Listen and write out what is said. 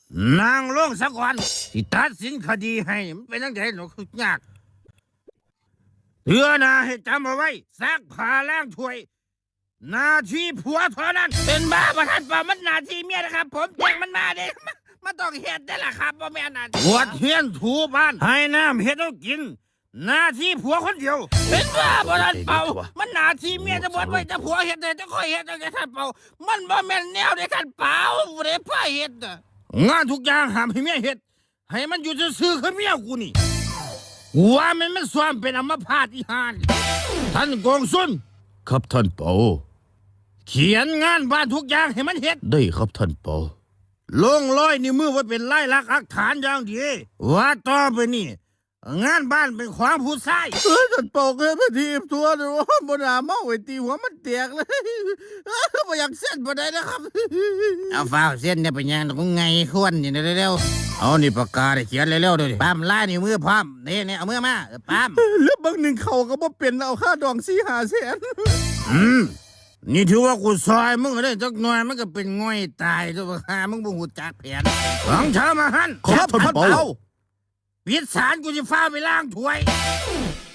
นางลงสักวันสิตัดสินคดีให้มันเป็นจังได๋หนูคือยากเตือนะให้จำเอาไว้ซักผ้าล้างถ้วยหน้าที่ผัวเท่านั้นเป็นบ้าประทันป่ามันหน้าที่เมียนะครับผมแจ้งมันมาเด้มันต้องเฮ็ดได้ล่ะครับบ่แม่นน่ะปวดเฮียนถูบ้านให้น้ำเฮ็ดเอากินหน้าที่ผัวคนเดียวเป็นบ้าประทันเป่ามันหน้าที่เมียจะบวชไว้แต่ผัวเฮ็ดได้จะค่อยเฮ็ดได้ท่านเป่ามันบ่แม่นแนวได้ท่านเป่าบ่ได้พาเฮ็ดน่ะงานทุกอย่างห้ามให้เมียเฮ็ดให้มันอยู่ซื่อๆคือเมียกูนี่ว่ามันซ้อมเป็นอัมพาตอีห่านท่านกองสุนครับท่านเปาเขียนงานบ้านทุกอย่างให้มันเฮ็ดได้ครับท่านเปาลงร้อยนิ้วมือไว้เป็นลายลักษณ์อักฐานอย่างดีว่าต่อไปนี่งานบ้านเป็นของผู้ชายท่านเปาเคยไปทีบตัวเดี๋ยวบนหาเมาไอ้ตีหัวมันแตกเลยไม่อยากเส้นบ่ได้นะครับเอาฟ้าเส้นเนี่ยเป็นยังกูไงควรนี่เร็วๆเอานี่ปากกาได้เขียนเร็วๆด้วยปั๊มลายนิ้วมือพร้อมนี่เอามือมาปั๊มแล้วบางหนึ่งเขาก็บ่เป็นเอาค่าดอง4-5 แสนนี่ถือว่ากูซอยมึงได้จักหน่อยมันก็เป็นง่อยตายตัวหามึงบ่ฮู้จักแผนของเธอมาหั่นครับท่านเปาปิดศาลกูจะฟ้าไปล้างถ้วย